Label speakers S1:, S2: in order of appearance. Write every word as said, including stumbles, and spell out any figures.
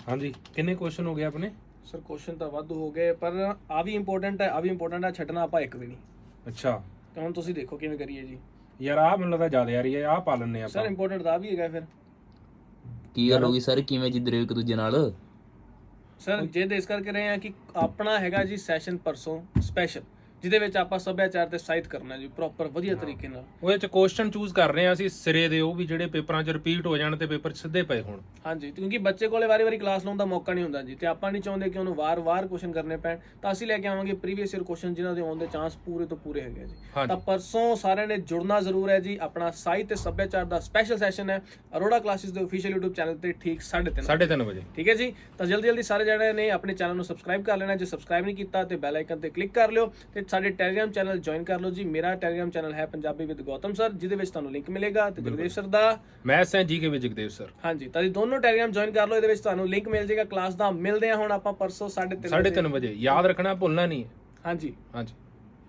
S1: हाँ जी कितने क्वेश्चन हो गए अपने?
S2: ਸਰ ਕੁਐਸਚਨ ਤਾਂ ਵਾਧੂ ਹੋ ਗਏ, ਪਰ ਆ ਵੀ ਇੰਪੋਰਟੈਂਟ ਹੈ, ਆ ਵੀ ਇੰਪੋਰਟੈਂਟ ਹੈ, ਛੱਡਣਾ ਆਪਾਂ ਇੱਕ ਵੀ ਨਹੀਂ।
S1: अच्छा
S2: ਤੇ ਹੁਣ ਤੁਸੀਂ ਦੇਖੋ ਕਿਵੇਂ ਕਰੀਏ ਜੀ।
S1: यार आ ਮੈਨੂੰ ਲੱਗਦਾ ਜ਼ਿਆਦਾ ਯਾਰ ਇਹ ਆ ਪਾ ਲੈਣੇ
S2: ਸਰ
S1: ਆਪਾਂ।
S2: ਇੰਪੋਰਟੈਂਟ ਤਾਂ ਆ ਵੀ ਹੈਗਾ ਫਿਰ।
S3: ਕੀ ਗੱਲ ਹੋ ਗਈ ਸਰ, ਕਿਵੇਂ ਜਿੱਦ ਰਹੇ ਹੋ ਇੱਕ ਦੂਜੇ ਨਾਲ?
S2: ਸਰ ਜੇ ਇਸ ਕਰਕੇ ਰਹੇ ਆ ਕਿ ਆਪਣਾ ਹੈਗਾ ਜੀ ਸੈਸ਼ਨ ਪਰਸੋਂ ਸਪੈਸ਼ਲ, ਜਿਹਦੇ ਵਿੱਚ ਆਪਾਂ ਸੱਭਿਆਚਾਰ ਤੇ ਸਾਹਿਤ ਕਰਨਾ ਜੀ ਪ੍ਰੋਪਰ ਵਧੀਆ ਤਰੀਕੇ ਨਾਲ।
S1: ਉਹਦੇ ਚ ਕੁਐਸਚਨ ਚੂਜ਼ ਕਰ ਰਹੇ ਆ ਅਸੀਂ ਸਿਰੇ ਦੇ, ਉਹ ਵੀ ਜਿਹੜੇ ਪੇਪਰਾਂ 'ਚ ਰਿਪੀਟ ਹੋ ਜਾਣ ਤੇ ਪੇਪਰ ਸਿੱਧੇ ਪਏ ਹੋਣ।
S2: ਹਾਂਜੀ, ਕਿਉਂਕਿ ਬੱਚੇ ਕੋਲੇ ਵਾਰੀ-ਵਾਰੀ ਕਲਾਸ ਲਾਉਣ ਦਾ ਮੌਕਾ ਨਹੀਂ ਹੁੰਦਾ ਜੀ, ਤੇ ਆਪਾਂ ਨਹੀਂ ਚਾਹੁੰਦੇ ਕਿ ਉਹਨੂੰ ਵਾਰ-ਵਾਰ ਕੁਐਸਚਨ ਕਰਨੇ ਪੈਣ, ਤਾਂ ਅਸੀਂ ਲੈ ਕੇ ਆਵਾਂਗੇ ਪ੍ਰੀਵੀਅਸ ਈਅਰ ਕੁਐਸਚਨ ਜਿਨ੍ਹਾਂ ਦੇ ਆਉਣ ਦੇ ਚਾਂਸ ਪੂਰੇ ਤੋਂ ਪੂਰੇ ਹੈਗੇ ਜੀ। ਤਾਂ ਪਰਸੋਂ ਸਾਰਿਆਂ ਨੇ ਜੁੜਨਾ ਜ਼ਰੂਰ ਹੈ ਜੀ। ਆਪਣਾ ਸਾਹਿਤ ਤੇ ਸੱਭਿਆਚਾਰ ਦਾ ਸਪੈਸ਼ਲ ਸੈਸ਼ਨ ਹੈ ਅਰੋੜਾ ਕਲਾਸਿਸ ਦੇ ਅਫੀਸ਼ੀਅਲ YouTube ਚੈਨਲ ਤੇ ਠੀਕ ਸਾਢੇ ਤਿੰਨ
S1: ਸਾਢੇ ਤਿੰਨ ਵਜੇ।
S2: ਠੀਕ ਹੈ ਜੀ। ਤਾਂ ਜਲਦੀ ਜਲਦੀ ਸਾਰੇ ਜਿਹੜੇ ਨੇ ਆਪਣੇ ਚੈਨਲ ਨੂੰ ਸਬਸਕ੍ਰਾਈਬ ਕਰ ਲੈਣਾ, ਜੇ ਸਬਸਕ੍ਰਾਈਬ ਨਹੀਂ ਕੀਤਾ ਤੇ ਬੈਲ ਆਈਕਨ ਤੇ ਕਲਿੱਕ ਕਰ ਲਿਓ ਤੇ ਸਾਡੇ ਟੈਲੀਗ੍ਰਾਮ ਚੈਨਲ ਜੁਆਇਨ ਕਰ ਲਓ ਜੀ। ਮੇਰਾ ਟੈਲੀਗ੍ਰਾਮ ਚੈਨਲ ਹੈ ਪੰਜਾਬੀ ਵਿਦ ਗੌਤਮ ਸਰ, ਜਿਹਦੇ ਵਿੱਚ ਤੁਹਾਨੂੰ ਲਿੰਕ ਮਿਲੇਗਾ, ਤੇ ਜਗਦੇਵ ਸਰ ਦਾ
S1: ਮੈਥਸ ਹੈ ਜੀ ਕੇ ਵਿੱਚ ਜਗਦੇਵ ਸਰ।
S2: ਹਾਂਜੀ, ਤਾਂ ਜੀ ਦੋਨੋਂ ਟੈਲੀਗ੍ਰਾਮ ਜੁਆਇਨ ਕਰ ਲਓ, ਇਹਦੇ ਵਿੱਚ ਤੁਹਾਨੂੰ ਲਿੰਕ ਮਿਲ ਜਾਏਗਾ ਕਲਾਸ ਦਾ। ਮਿਲਦੇ ਆ ਹੁਣ ਆਪਾਂ ਪਰਸੋਂ ਸਾਢੇ ਤਿੰਨ
S1: ਸਾਢੇ ਤਿੰਨ ਵਜੇ, ਯਾਦ ਰੱਖਣਾ ਭੁੱਲਣਾ ਨਹੀਂ ਹੈ।
S2: ਹਾਂਜੀ
S1: ਹਾਂਜੀ।